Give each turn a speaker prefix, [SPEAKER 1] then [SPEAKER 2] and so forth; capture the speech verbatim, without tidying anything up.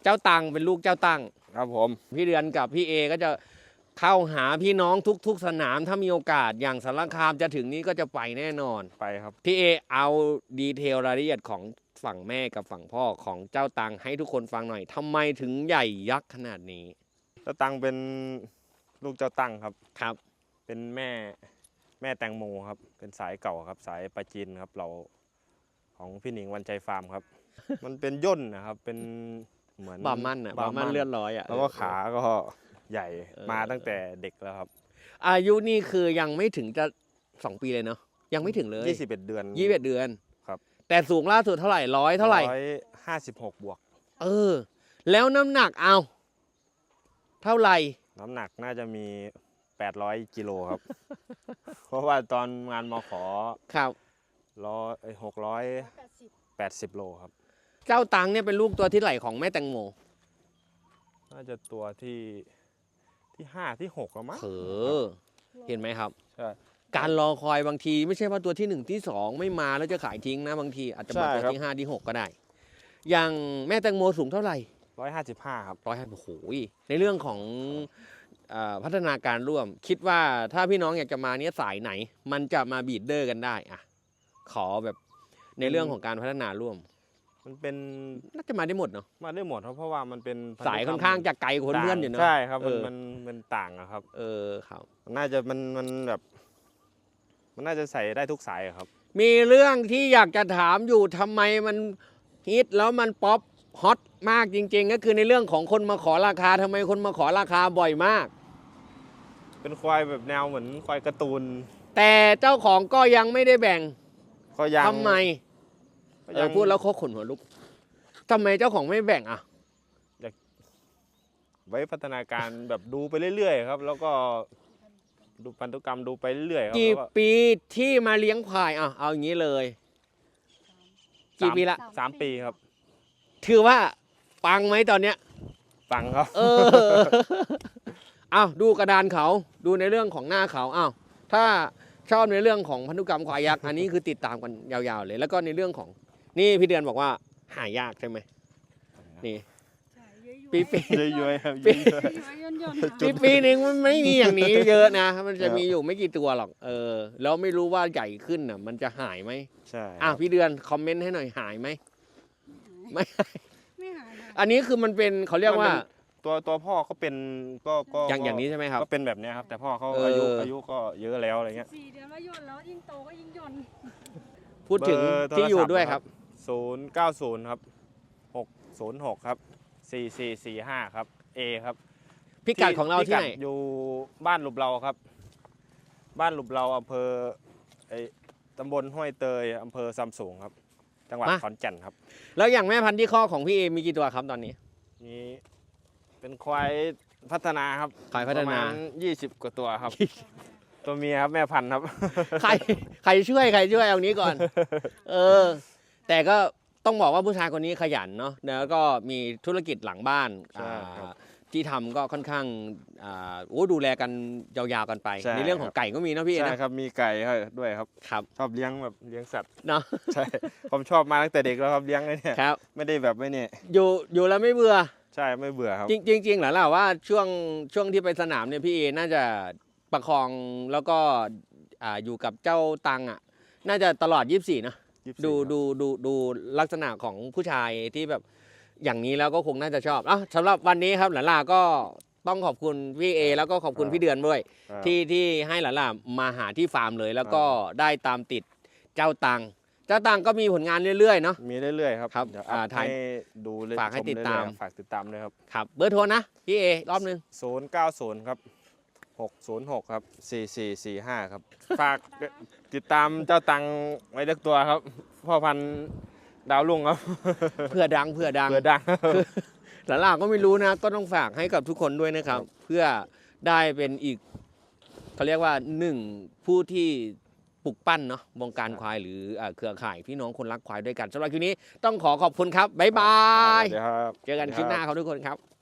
[SPEAKER 1] เจ้าตังเป็นลูกเจ้าตัง
[SPEAKER 2] ครับผม
[SPEAKER 1] พี่เดือนกับพี่เอก็จะเข้าหาพี่น้องทุกๆสนามถ้ามีโอกาสอย่างสารคามจะถึงนี้ก็จะไปแน่นอน
[SPEAKER 2] ไปครับ
[SPEAKER 1] พี่เอเอาดีเทลรายละเอียดของฝั่งแม่กับฝั่งพ่อของเจ้าตังให้ทุกคนฟังหน่อยทำไมถึงใหญ่ยักษ์ขนาดนี้
[SPEAKER 2] เจ้าตังเป็นลูกเจ้าตังครับ
[SPEAKER 1] ครับ
[SPEAKER 2] เป็นแม่แม่แตงโมครับเป็นสายเก่าครับสายปลาจีนครับเราของพี่หนิงวันใจฟาร์มครับ มันเป็นย่นนะครับเป็นเหมือน
[SPEAKER 1] บามันอ่ะบามันเลื่อนร้อยอ่ะ
[SPEAKER 2] แล้วก็ขาก็ใหญ่มาตั้งแต่เด็กแล้วครับ
[SPEAKER 1] อายุนี่คือยังไม่ถึงจะสองปีเลยเนาะยังไม่ถึงเลย
[SPEAKER 2] ยี่สิบเอ็ดเดือน
[SPEAKER 1] ยี่สิบเอ็ดเดือน
[SPEAKER 2] ครับ
[SPEAKER 1] แต่สูงล่าสุดเท่าไหร่ร้อยเท่าไหร่
[SPEAKER 2] ร้อยห้าสิบหกบวก
[SPEAKER 1] เออแล้วน้ำหนักเอาเท่าไหร่
[SPEAKER 2] น้ำหนักน่าจะมีแปดร้อยกิโลครับ เพราะว่าตอนงานมขอ
[SPEAKER 1] ครับ
[SPEAKER 2] ร้อยหกร้อยแปดสิบโลครับ
[SPEAKER 1] เจ้าตังเนี่ยเป็นลูกตัวที่ไหลของแม่แตงโม
[SPEAKER 2] น่าจะตัวที่ที่ห้าที่หกแล้วมั้ง
[SPEAKER 1] เออเห็นไหมครับ
[SPEAKER 2] ใช่
[SPEAKER 1] การรอคอยบางทีไม่ใช่ว่าตัวที่หนึ่งที่สองไม่มาแล้วจะขายทิ้งนะบางทีอาจจะมาตัวที่ห้าที่หกก็ได้อย่างแม่แตงโมสูงเท่าไหร่
[SPEAKER 2] ร้อยห้าสิบห้าครับ
[SPEAKER 1] ร้อยห้าโอ้โหในเรื่องของพัฒนาการร่วมคิดว่าถ้าพี่น้องอยากจะมาเนี้ยสายไหนมันจะมาบีดเดอร์กันได้อะขอแบบในเรื่องของการพัฒนาร่วม
[SPEAKER 2] มันเป็น
[SPEAKER 1] น่าจะมาได้หมดเนาะ
[SPEAKER 2] มาได้หมดเพราะว่ามันเป็น
[SPEAKER 1] สายค่อนข้างจะไกลคนเพื่อนอยู่เนาะ
[SPEAKER 2] ใช่ครับมันมันมันต่างอะครับ
[SPEAKER 1] เออครับ
[SPEAKER 2] น่าจะมันมันแบบมันน่าจะใส่ได้ทุกสายครับ
[SPEAKER 1] มีเรื่องที่อยากจะถามอยู่ทำไมมันฮิตแล้วมันป๊อปฮอตมากจริงๆก็คือในเรื่องของคนมาขอราคาทำไมคนมาขอราคาบ่อยมาก
[SPEAKER 2] เป็นควายแบบแนวเหมือนควายการ์ตูน
[SPEAKER 1] แต่เจ้าของก็ยังไม่ได้แบ่ง
[SPEAKER 2] ก็ยัง
[SPEAKER 1] ทำไมเออพูดแล้วเขาขนหัวลุกทำไมเจ้าของไม่แบ่งอ่ะ
[SPEAKER 2] อยากไว้พัฒนาการแบบดูไปเรื่อยๆครับแล้วก็ดูพันธุกรรมดูไปเรื่อยๆครับ
[SPEAKER 1] กี่ปีที่มาเลี้ยงควายอ่ะเอาอย่างนี้เลยกี่ปีละ
[SPEAKER 2] สามปีครับ
[SPEAKER 1] ถือว่าปังไหมตอนเนี้ย
[SPEAKER 2] ปังครับ
[SPEAKER 1] เอออ้าวดูกระดานเขาดูในเรื่องของหน้าเขาอ้าวถ้าชอบในเรื่องของพันธุกรรมควายยักษ์อันนี้คือติดตามกันยาวๆเลยแล้วก็ในเรื่องของนี่พี่เดือนบอกว่าหายากใช่ไหมนี่ปีปี
[SPEAKER 2] เยอะๆครับ
[SPEAKER 1] ปีปีหนึ่งมันไม่มีอย่างนี้เยอะนะมันจะมีอยู่ไม่กี่ตัวหรอกเออแล้วไม่รู้ว่าใหญ่ขึ้นน่ะมันจะหายไหม
[SPEAKER 2] ใช่
[SPEAKER 1] อ่ะพี่เดือนคอมเมนต์ให้หน่อยหายไหมไม่
[SPEAKER 3] ไม่หาย
[SPEAKER 1] อันนี้คือมันเป็นเขาเรียกว่า
[SPEAKER 2] ตัวตัวพ่อเขาเป็นก็ก็
[SPEAKER 1] อย่างอย่างนี้ใช่ไหมครับ
[SPEAKER 2] ก็เป็นแบบนี้ครับแต่พ่อเขาอายุอายุก็เยอะแล้วอะไรเงี้ย
[SPEAKER 3] สี่เดือนแล้วย่นแล้วยิ่งโตก็ยิ่งย่น
[SPEAKER 1] พูดถึงที่อยู่ด้วยครับ
[SPEAKER 2] ศูนย์เก้าศูนย์ครับหกศูนย์หกครับสี่สี่สี่ห้าครับเอครับ
[SPEAKER 1] พิกัดของเราที่ไหน
[SPEAKER 2] อยู่บ้านหลุบเราครับบ้านหลุบเราอำเภอไอตำบลห้วยเตยอำเภอซัมซุงครับจังหวัดขอนแก่นครับ
[SPEAKER 1] แล้วอย่างแม่พันธุ์ที่ข้อของพี่เอมีกี่ตัวครับตอนนี้
[SPEAKER 2] มีเป็นควายพัฒนาครับ
[SPEAKER 1] ควายพัฒนา
[SPEAKER 2] ยี่สิบกว่าตัวครับตัวเมียครับแม่พันธุ์ครับ
[SPEAKER 1] ใครใครช่วยใครช่วยเอานี้ก่อนเออแต่ก็ต้องบอกว่าผู้ชายคนนี้ขยันเนาะแล้วก็มีธุรกิจหลังบ้านที่ทำก็ค่อนข้างโอ้ดูแลกันยาวๆกันไปในเรื่องของไก่ก็มีนะพี่นะ
[SPEAKER 2] ใช่ครับมีไก่ด้วยครับ
[SPEAKER 1] ครับ
[SPEAKER 2] ชอบเลี้ยงแบบเลี้ยงสัตว์
[SPEAKER 1] เนาะ
[SPEAKER 2] ใช่ผมชอบมาตั้งแต่เด็กแล้วครับเลี้ยงเลยเนี่ย
[SPEAKER 1] ครับ
[SPEAKER 2] ไม่ได้แบบไม่เนี่ย
[SPEAKER 1] อยู่อยู่แล้วไม่เบื่อ
[SPEAKER 2] ใช่ไม่เบื่อครับ
[SPEAKER 1] จริงจริงเหรอล่ะว่าช่วงช่วงที่ไปสนามเนี่ยพี่เอน่าจะประคองแล้วก็อยู่กับเจ้าตังอ่ะน่าจะตลอดยี่สิบสี่นะดูดูดูดูลักษณะของผู้ชายที่แบบอย่างนี้แล้วก็คงน่าจะชอบอ่ะสำหรับวันนี้ครับหลานลาก็ต้องขอบคุณพี่เอแล้วก็ขอบคุณพี่เดือนด้วยที่ที่ให้หลานลามาหาที่ฟาร์มเลยแล้วก็ได้ตามติดเจ้าตังเจ้าตังก็มีผลงานเรื่อยๆเนาะ
[SPEAKER 2] มีเรื่อยๆครับ
[SPEAKER 1] ครับ
[SPEAKER 2] ถ่ายดู
[SPEAKER 1] ฝากให้ติดตาม
[SPEAKER 2] ฝากติดตามเลยครับ
[SPEAKER 1] ครับเบอร์โทรนะพี่เอรอบนึง
[SPEAKER 2] ศูนย์เก้าศูนย์ครับหกศูนย์หกครับสี่สี่สี่ห้าครับฝากติดตามเจ้าตังไว้เล็กตัวครับพ่อพันธุ์ดาวลุ่งครับ
[SPEAKER 1] เพื่อดังเพื่อดัง
[SPEAKER 2] เพื่อดัง
[SPEAKER 1] หลานๆก็ไม่รู้นะก็ต้องฝากให้กับทุกคนด้วยนะครับเพื่อได้เป็นอีกเขาเรียกว่าหนึ่งผู้ที่ปลุกปั้นเนาะวงการควายหรือเครือข่ายพี่น้องคนรักควายด้วยกันสำหรับคลิปนี้ต้องขอขอบคุณครับบ๊ายบายเจอกันคลิปหน้าครับทุกคนครับ